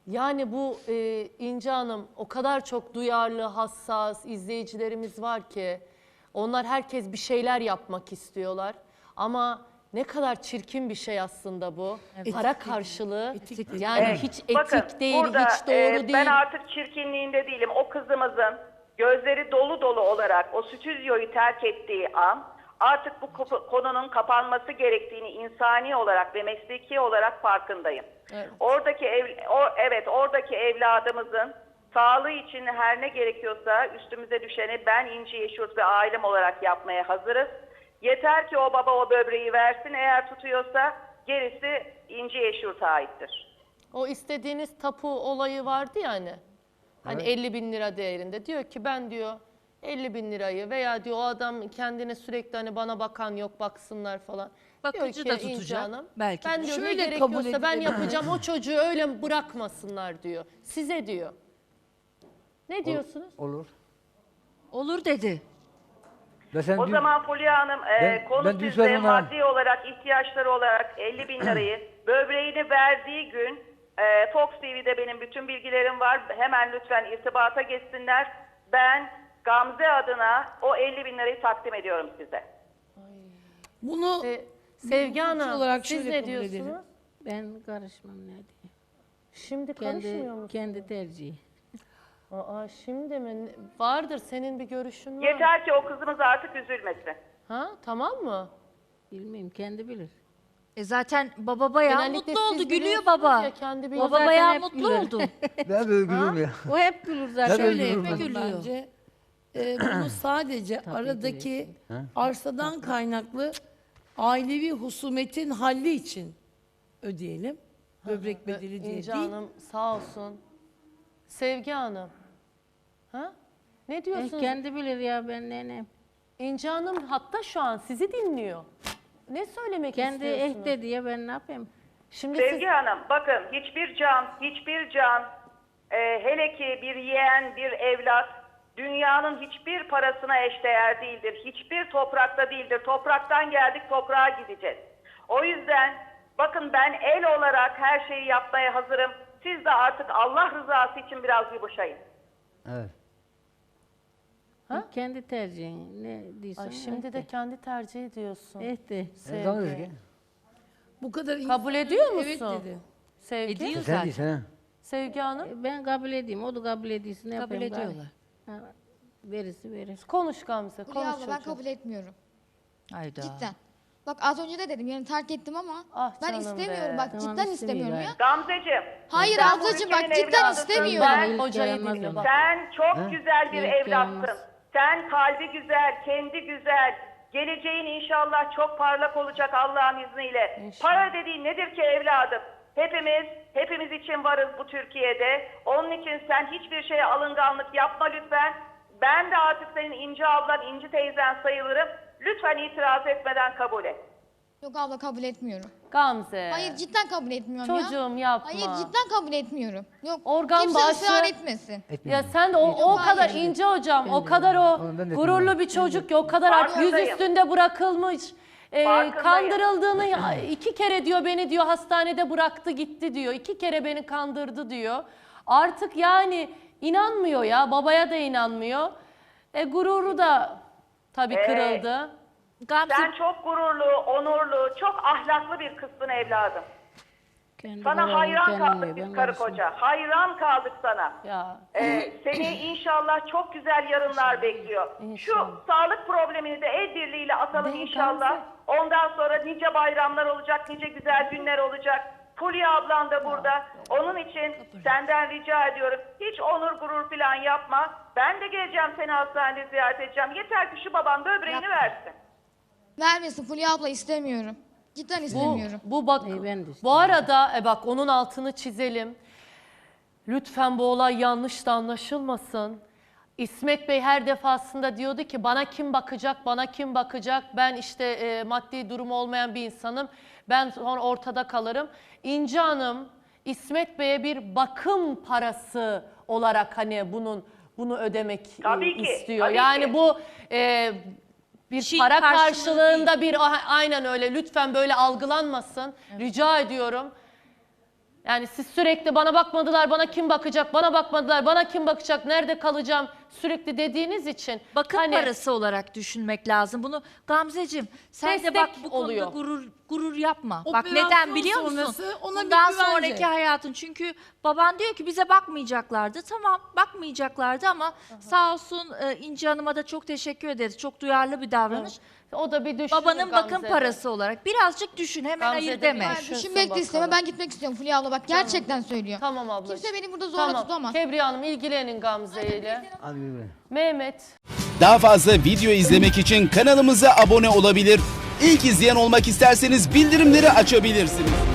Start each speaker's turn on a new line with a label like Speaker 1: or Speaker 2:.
Speaker 1: Yani bu İnce Hanım o kadar çok duyarlı, hassas izleyicilerimiz var ki onlar herkes bir şeyler yapmak istiyorlar. Ama ne kadar çirkin bir şey aslında bu. Para karşılığı yani hiç etik
Speaker 2: Bakın,
Speaker 1: değil,
Speaker 2: burada,
Speaker 1: hiç doğru değil.
Speaker 2: Ben artık çirkinliğinde değilim. O kızımızın gözleri dolu dolu olarak o stüdyoyu terk ettiği an artık bu konunun kapanması gerektiğini insani olarak ve mesleki olarak farkındayım.
Speaker 1: Evet.
Speaker 2: Oradaki evladımızın sağlığı için her ne gerekiyorsa üstümüze düşeni ben İnci Yeşurt ve ailem olarak yapmaya hazırız. Yeter ki o baba o böbreği versin, eğer tutuyorsa gerisi İnci Yeşurt'a aittir.
Speaker 1: O istediğiniz tapu olayı vardı ya hani 50 bin lira değerinde. Diyor ki ben diyor 50 bin lirayı veya diyor o adam kendine sürekli hani bana bakan yok baksınlar falan.
Speaker 3: Bakıcı
Speaker 1: diyor
Speaker 3: da
Speaker 1: ki, İnce
Speaker 3: tutacak
Speaker 1: Hanım,
Speaker 3: belki
Speaker 1: ben
Speaker 3: de.
Speaker 1: diyor ne
Speaker 4: Şöyle
Speaker 1: gerekiyorsa
Speaker 4: kabul
Speaker 1: ben
Speaker 4: edilebilir.
Speaker 1: yapacağım, o çocuğu öyle bırakmasınlar diyor. Size diyor. Ne diyorsunuz?
Speaker 5: Olur.
Speaker 3: Olur dedi.
Speaker 5: Ve sen
Speaker 2: O
Speaker 5: dün-
Speaker 2: zaman Fulya Hanım konu
Speaker 5: ben dün
Speaker 2: sizde
Speaker 5: söyledim ona.
Speaker 2: maddi olarak, ihtiyaçları olarak 50 bin lirayı böbreğini verdiği gün Fox TV'de benim bütün bilgilerim var. Hemen lütfen irtibata geçsinler. Ben Gamze adına o 50 bin lirayı takdim ediyorum size.
Speaker 4: Bunu
Speaker 1: Sevgi
Speaker 4: hukuki
Speaker 1: Hanım
Speaker 4: olarak
Speaker 1: siz
Speaker 4: şöyle
Speaker 1: ne
Speaker 4: kabul edelim.
Speaker 1: diyorsunuz?
Speaker 6: Ben karışmam ne diye.
Speaker 1: Şimdi karışmıyor musun?
Speaker 6: Kendi tercihi.
Speaker 1: Aa, şimdi mi? Vardır senin bir görüşün var.
Speaker 2: Yeter ki o kızımız artık üzülmesin.
Speaker 1: Ha tamam mı?
Speaker 6: Bilmiyorum kendi bilir.
Speaker 3: Zaten baba bayağı
Speaker 1: Genellikle
Speaker 3: mutlu
Speaker 1: siz
Speaker 3: oldu, gülüyor
Speaker 1: biliyorsunuz
Speaker 3: baba.
Speaker 1: ya, kendi bir-
Speaker 3: Baba
Speaker 6: zaten
Speaker 3: bayağı
Speaker 6: hep
Speaker 3: mutlu
Speaker 6: güler.
Speaker 3: oldu.
Speaker 5: Ben böyle gülüyorum ya.
Speaker 6: O hep gülür zaten.
Speaker 5: Şöyle
Speaker 4: Şöyle
Speaker 5: yapalım
Speaker 4: yapalım
Speaker 3: gülüyor.
Speaker 4: bence. Bunu sadece aradaki arsadan kaynaklı ailevi husumetin halli için ödeyelim. Böbrek bedeli diye
Speaker 1: İnce
Speaker 4: değil.
Speaker 1: Hanım sağ olsun. Sevgi Hanım. Ha? Ne diyorsunuz?
Speaker 6: Kendi bilir ya ben ne.
Speaker 1: İnce Hanım hatta şu an sizi dinliyor. Ne söylemek
Speaker 6: Kendi
Speaker 1: istiyorsunuz?
Speaker 6: ehde diye ben ne yapayım?
Speaker 1: Şimdi
Speaker 2: Sevgi Hanım, bakın hiçbir can, hele ki bir yeğen, bir evlat, dünyanın hiçbir parasına eşdeğer değildir. Hiçbir toprakta değildir. Topraktan geldik, toprağa gideceğiz. O yüzden bakın ben el olarak her şeyi yapmaya hazırım. Siz de artık Allah rızası için biraz yumuşayın.
Speaker 5: Evet.
Speaker 6: Kendi tercihin. Ne diyorsun?
Speaker 1: Ay, şimdi de kendi tercihi diyorsun.
Speaker 6: Ehde.
Speaker 5: Tamam
Speaker 1: Sevgi.
Speaker 5: Ezgi.
Speaker 4: Bu kadar
Speaker 1: Kabul ediyor
Speaker 4: Evet
Speaker 1: musun?
Speaker 4: dedi.
Speaker 1: Sevgi.
Speaker 3: Ediyor
Speaker 5: Sen
Speaker 3: zaten.
Speaker 5: değilsin ha.
Speaker 1: Sevgi Hanım.
Speaker 6: Ben kabul edeyim. O da kabul ediyorsun. Ne
Speaker 3: Kabul
Speaker 6: yapayım gari?
Speaker 3: ediyorlar.
Speaker 6: Ha, verirse verir.
Speaker 1: Konuş Gamze.
Speaker 7: Fulya
Speaker 1: Konuş
Speaker 7: abla ben
Speaker 1: çocuğum.
Speaker 7: kabul etmiyorum.
Speaker 3: Hayda.
Speaker 7: Cidden. Bak az önce de dedim yani terk ettim ama
Speaker 1: Ah
Speaker 7: ben
Speaker 1: canım
Speaker 7: istemiyorum
Speaker 1: be.
Speaker 7: bak
Speaker 6: Tamam,
Speaker 7: cidden
Speaker 6: istemiyor
Speaker 7: istemiyorum ya.
Speaker 2: Gamzeciğim.
Speaker 7: Hayır
Speaker 2: sen bu
Speaker 7: ablacığım bak
Speaker 2: ülkenin
Speaker 7: cidden
Speaker 2: evladısın.
Speaker 7: istemiyorum.
Speaker 1: Bak
Speaker 6: İlk
Speaker 1: hocayı
Speaker 6: yaramaz
Speaker 1: dinle
Speaker 6: onu.
Speaker 1: bak.
Speaker 2: Sen çok güzel bir
Speaker 6: İlk
Speaker 2: evlatsın.
Speaker 6: yaramaz.
Speaker 2: Sen kalbi güzel, kendi güzel. Geleceğin inşallah çok parlak olacak Allah'ın izniyle.
Speaker 1: İnşallah.
Speaker 2: Para dediğin nedir ki evladım? Hepimiz için varız bu Türkiye'de. Onun için sen hiçbir şeye alınganlık yapma lütfen. Ben de artık senin İnci ablan, İnci teyzen sayılırım. Lütfen itiraz etmeden kabul et.
Speaker 7: Yok abla kabul etmiyorum.
Speaker 1: Gamze.
Speaker 7: Hayır cidden kabul etmiyorum ya.
Speaker 1: Çocuğum yapma.
Speaker 7: Hayır cidden kabul etmiyorum. Yok
Speaker 1: Organ
Speaker 7: kimse
Speaker 1: bağışı-
Speaker 7: ısrar etmesin.
Speaker 1: Ya sen de o
Speaker 7: hayır.
Speaker 1: kadar İnce hocam, o kadar o
Speaker 5: Oğlum ben de
Speaker 1: gururlu
Speaker 5: etmiyorum.
Speaker 1: bir çocuk ki o kadar artık yüz
Speaker 2: Farkındayım.
Speaker 1: üstünde bırakılmış.
Speaker 2: Farkındayım.
Speaker 1: Kandırıldığını 2 kere diyor beni diyor hastanede bıraktı gitti diyor. 2 kere beni kandırdı diyor. Artık yani inanmıyor ya, babaya da inanmıyor. Gururu da tabii kırıldı.
Speaker 3: Gamze
Speaker 2: Sen çok gururlu, onurlu, çok ahlaklı bir kızsın evladım.
Speaker 6: Kendi
Speaker 2: Sana
Speaker 6: kararını
Speaker 2: hayran
Speaker 6: kendin
Speaker 2: kaldık
Speaker 6: ver,
Speaker 2: biz
Speaker 6: ben
Speaker 2: karı
Speaker 6: karışmam.
Speaker 2: koca. Hayran kaldık sana.
Speaker 1: Ya
Speaker 2: Seni inşallah çok güzel yarınlar bekliyor.
Speaker 1: İnşallah.
Speaker 2: Şu sağlık problemini de el birliğiyle atalım
Speaker 1: Ne
Speaker 2: inşallah.
Speaker 1: Gamze?
Speaker 2: Ondan sonra nice bayramlar olacak, nice güzel günler olacak. Fulya ablan da burada. Onun için senden rica ediyorum. Hiç onur gurur falan yapma. Ben de geleceğim seni hastanede ziyaret edeceğim. Yeter ki şu baban böbreğini versin.
Speaker 7: Vermesin Fulya abla istemiyorum. Cidden istemiyorum.
Speaker 1: bu bak
Speaker 6: ben de
Speaker 1: bu
Speaker 6: istiyorum.
Speaker 1: arada bak onun altını çizelim. Lütfen bu olay yanlış da anlaşılmasın. İsmet Bey her defasında diyordu ki bana kim bakacak, bana kim bakacak? Ben işte maddi durumu olmayan bir insanım. Ben sonra ortada kalırım. İnce Hanım İsmet Bey'e bir bakım parası olarak hani bunu ödemek
Speaker 2: Tabii ki,
Speaker 1: istiyor.
Speaker 2: tabii
Speaker 1: yani
Speaker 2: ki.
Speaker 1: bu bir
Speaker 3: şey
Speaker 1: para
Speaker 3: karşılığı
Speaker 1: karşılığında bir aynen öyle lütfen böyle algılanmasın. Rica ediyorum. Yani siz sürekli bana bakmadılar, bana kim bakacak, bana bakmadılar, bana kim bakacak, nerede kalacağım sürekli dediğiniz için.
Speaker 3: Bakım
Speaker 1: hani
Speaker 3: parası olarak düşünmek lazım. Bunu Gamzeciğim sen de
Speaker 1: Destek
Speaker 3: bak bu
Speaker 1: oluyor.
Speaker 3: konuda gurur yapma. Bak
Speaker 4: Operasyon
Speaker 3: neden biliyor musun?
Speaker 4: sonrası ona bir
Speaker 3: Bundan
Speaker 4: güvence.
Speaker 3: sonraki hayatın. Çünkü baban diyor ki bize bakmayacaklardı. Tamam bakmayacaklardı ama sağ olsun İnci Hanım'a da çok teşekkür ederiz. Çok duyarlı bir davranış.
Speaker 1: o da bir düşünür
Speaker 3: Babanın bakım
Speaker 1: Gamze'de.
Speaker 3: parası olarak birazcık düşün, hemen
Speaker 1: Gamze'de
Speaker 3: hayır
Speaker 1: bir
Speaker 3: deme.
Speaker 1: düşün.
Speaker 7: Düşünmek de isteme. Ben gitmek istiyorum Fulya abla. Bak gerçekten söylüyor.
Speaker 1: Tamam ablacığım.
Speaker 7: Kimse beni burada zorla tutamaz.
Speaker 1: Kebriye Hanım ilgilenin Gamze ile.
Speaker 5: Hadi yürü.
Speaker 1: Mehmet.
Speaker 8: Daha fazla video izlemek için kanalımıza abone olabilir. İlk izleyen olmak isterseniz bildirimleri açabilirsiniz.